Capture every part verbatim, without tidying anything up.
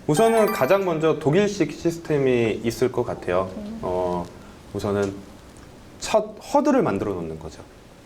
우선은 가장 먼저 독일식 시스템이 있을 것 같아요. 어, 우선은 첫 허들을 만들어 놓는 거죠.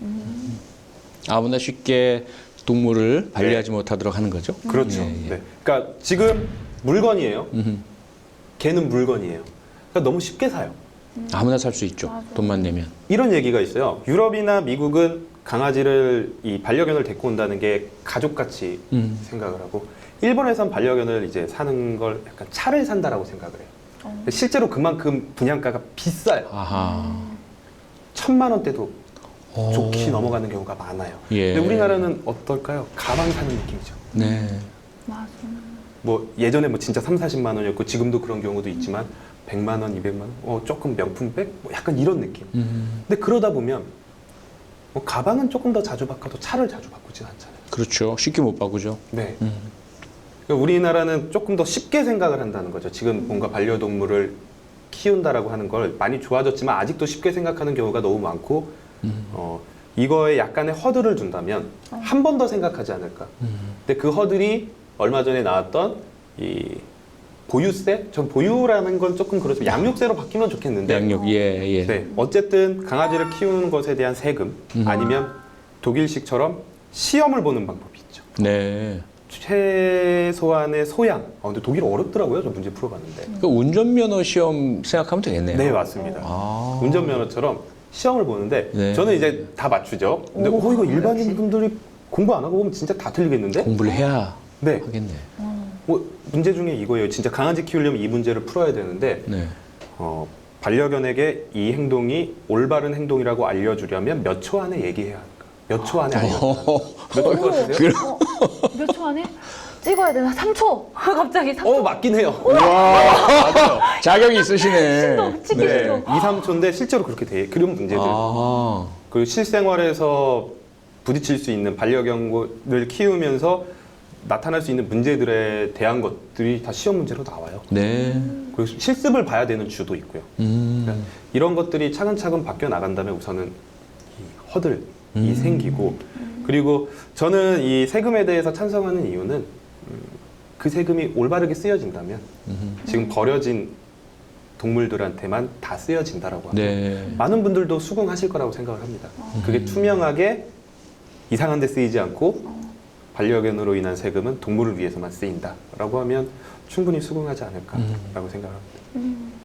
아무나 쉽게 동물을 관리하지 네. 못하도록 하는 거죠. 그렇죠. 예, 예. 네. 그러니까 지금 물건이에요. 음흠. 개는 물건이에요. 그러니까 너무 쉽게 사요. 아무나 살 수 있죠. 맞아. 돈만 내면. 이런 얘기가 있어요. 유럽이나 미국은 강아지를 이 반려견을 데리고 온다는 게 가족같이 음. 생각을 하고, 일본에선 반려견을 이제 사는 걸 약간 차를 산다라고 생각을 해요. 어. 실제로 그만큼 분양가가 비싸요. 아하. 천만 원대도 오. 좋게 넘어가는 경우가 많아요. 예. 근데 우리나라는 어떨까요? 가방 사는 느낌이죠. 네. 맞아. 뭐 예전에 뭐 진짜 삼사십만 원이었고 지금도 그런 경우도 있지만 백만 원, 이백만 원, 어 조금 명품백, 뭐 약간 이런 느낌. 음. 근데 그러다 보면 뭐 가방은 조금 더 자주 바꿔도 차를 자주 바꾸진 않잖아요. 그렇죠. 쉽게 못 바꾸죠. 네. 음. 그러니까 우리나라는 조금 더 쉽게 생각을 한다는 거죠. 지금 뭔가 반려동물을 키운다라고 하는 걸 많이 좋아졌지만 아직도 쉽게 생각하는 경우가 너무 많고, 음. 어, 이거에 약간의 허들을 준다면 한 번 더 생각하지 않을까. 음. 근데 그 허들이 얼마 전에 나왔던 이 보유세? 전 보유라는 건 조금 그렇지만 양육세로 바뀌면 좋겠는데, 양육. 예, 예. 네, 어쨌든 강아지를 키우는 것에 대한 세금, 음. 아니면 독일식처럼 시험을 보는 방법이 있죠. 네. 최소한의 소양. 아, 근데 독일 어렵더라고요. 저 문제 풀어봤는데. 그 운전면허 시험 생각하면 되겠네요. 네, 맞습니다. 아. 운전면허처럼 시험을 보는데 네. 저는 이제 다 맞추죠. 근데 오, 어, 이거 일반인 역시. 분들이 공부 안 하고 보면 진짜 다 틀리겠는데? 공부를 해야 네. 하겠네. 어. 뭐 문제 중에 이거예요. 진짜 강아지 키우려면 이 문제를 풀어야 되는데, 네. 어, 반려견에게 이 행동이 올바른 행동이라고 알려주려면 몇 초 안에 얘기해야 할까? 몇 초 안에 알려줘야 할까? 몇초것 같으세요? 그래. 어, 몇 초 안에? 찍어야 되나? 삼 초! 갑자기 삼 초. 어, 맞긴 해요. 맞아요. 자격이 있으시네. 신동, 찍기 네, 신동. 이, 삼 초인데 실제로 그렇게 돼. 그런 문제들. 아. 그리고 실생활에서 부딪힐 수 있는 반려견을 키우면서 나타날 수 있는 문제들에 대한 것들이 다 시험 문제로 나와요. 네. 그리고 실습을 봐야 되는 주도 있고요. 음. 그러니까 이런 것들이 차근차근 바뀌어 나간다면 우선은 이 허들이 음. 생기고, 그리고 저는 이 세금에 대해서 찬성하는 이유는 음, 그 세금이 올바르게 쓰여진다면 음. 지금 버려진 동물들한테만 다 쓰여진다라고 하면 네. 많은 분들도 수긍하실 거라고 생각을 합니다. 그게 투명하게 이상한 데 쓰이지 않고 반려견으로 인한 세금은 동물을 위해서만 쓰인다라고 하면 충분히 수긍하지 않을까라고 생각합니다. 음.